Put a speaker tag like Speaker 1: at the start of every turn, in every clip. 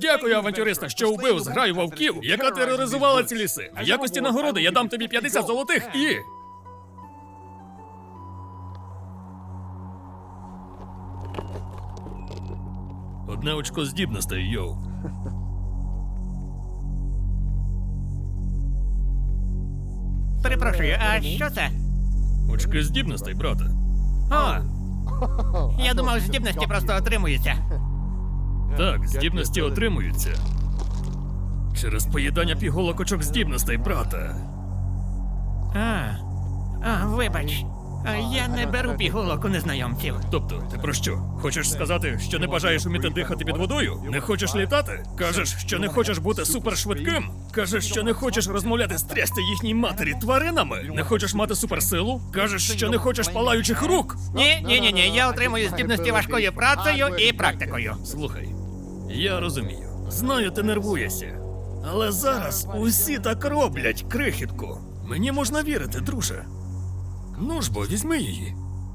Speaker 1: Дякую, авантюриста, що вбив зграю вовків, яка тероризувала ці ліси. В якості нагороди я дам тобі 50 золотих і... Одне очко здібностей, йоу.
Speaker 2: Перепрошую, а що це?
Speaker 1: Очки здібностей, брате.
Speaker 2: О! Я думав, здібності просто отримуються.
Speaker 1: Так, здібності отримуються. Через поїдання пігулок очок здібностей, брате.
Speaker 2: Вибач. Я не беру пігулок у незнайомців.
Speaker 1: Тобто, ти про що? Хочеш сказати, що не бажаєш вміти дихати під водою? Не хочеш літати? Кажеш, що не хочеш бути супершвидким? Кажеш, що не хочеш розмовляти з трясти їхній матері тваринами? Не хочеш мати суперсилу? Кажеш, що не хочеш палаючих рук?
Speaker 2: Ні, я отримую здібності важкою працею і практикою.
Speaker 1: Слухай, я розумію. Знаю, ти нервуєшся. Але зараз усі так роблять, крихітку. Мені можна вірити, друже. Ну ж бо, візьми її.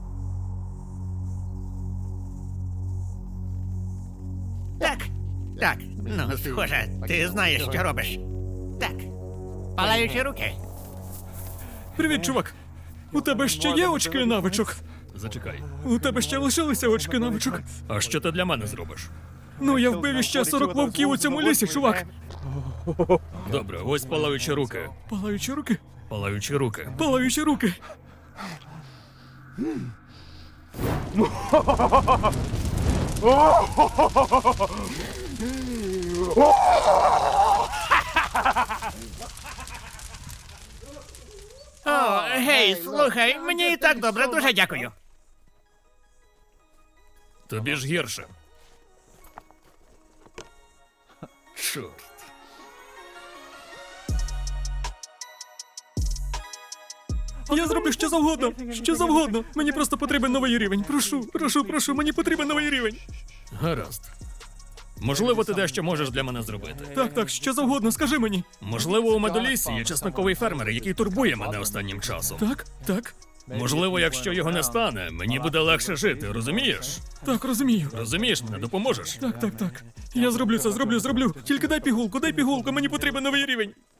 Speaker 2: Так, ну, схоже, ти знаєш, що робиш. Так. Палаючі руки.
Speaker 1: Привіт, чувак. У тебе ще є очки навичок? Зачекай. У тебе ще лишилися очки навичок? А що ти для мене зробиш? Ну, я вбив іще 40 вовків у цьому лісі, чувак. Добре, ось палаючі руки. Палаючі руки? Палаючі руки. Палаючі руки.
Speaker 2: О, гей, слухай, мені і так добре, дуже дякую.
Speaker 1: Тобі ж гірше. Чорт. Я зроблю що завгодно. Що завгодно. Мені просто потрібен новий рівень. Прошу, мені потрібен новий рівень. Гаразд. Можливо, ти дещо можеш для мене зробити. Так, що завгодно, скажи мені. Можливо, у медолісі є чесноковий фермер, який турбує мене останнім часом. Так. Можливо, якщо його не стане, мені буде легше жити, розумієш? Так, розумію. Розумієш мене, допоможеш? Так. Я зроблю це, зроблю. Тільки дай пігулку, мені потрібен новий рівень.